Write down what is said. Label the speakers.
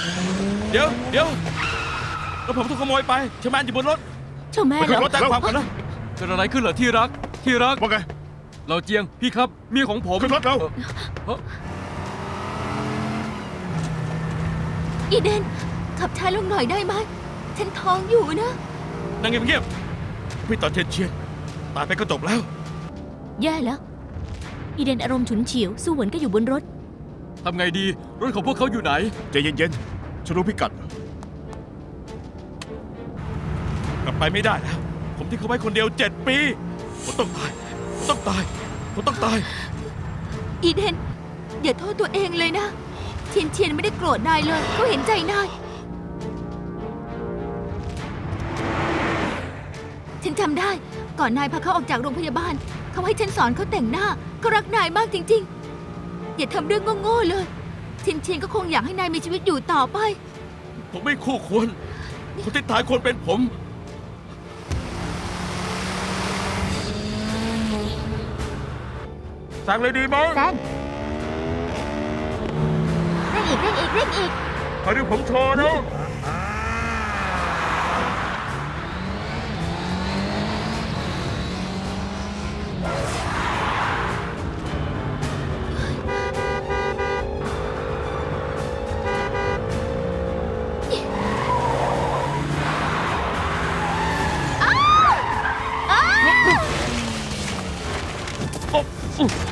Speaker 1: เดี๋ยวแล้วผมถูกขโมยไปชแมนอยู่บนรถ
Speaker 2: เจ้าแม่
Speaker 1: ไป
Speaker 2: เหร
Speaker 1: ขึ้น
Speaker 2: อ
Speaker 1: รถแจ้งความกันนะ
Speaker 3: เกิดอะไรขึ้นเหรอที่รัก
Speaker 4: ว่าไง
Speaker 3: เราเจียงพี่ครับเมียของผม
Speaker 4: ขึ้นรถเรา
Speaker 2: อีเดนขับช้าลงหน่อยได้ไหมฉันท้องอยู่นะ
Speaker 1: นั่งเงียบๆพี่ต่อเชียนตายไปก็จบแล้ว
Speaker 2: แย่แล้ว อีเดนอารมณ์ฉุนเฉียวสู้หวนก็อยู่บนรถ
Speaker 3: ทำไงดีรถของพวกเขาอยู่ไหน
Speaker 4: ใจเย็นๆฉันรู้พิกัด
Speaker 1: กลับไปไม่ได้แล้ว ผมที่เขาไว้คนเดียว7 ปีผมต้องตายผมต้องตายผมต้องตาย
Speaker 2: อีเดนอย่าโทษตัวเองเลยนะเชียนไม่ได้โกรธนายเลยเขาเห็นใจนายฉันจำได้ก่อนนายพาเขาออกจากโรงพยาบาลเขาให้ฉันสอนเขาแต่งหน้าเขารักนายมากจริงๆอย่าทำเรื่องโง่ๆเลยเชียนก็คงอยากให้นายมีชีวิตอยู่ต่อไป
Speaker 1: ผมไม่คู่ควรคนที่ตายควรเป็นผมสั่งเลยดีไหม
Speaker 2: แซนเร่งอีก
Speaker 1: คอยดูผมโชว์นะ โอ้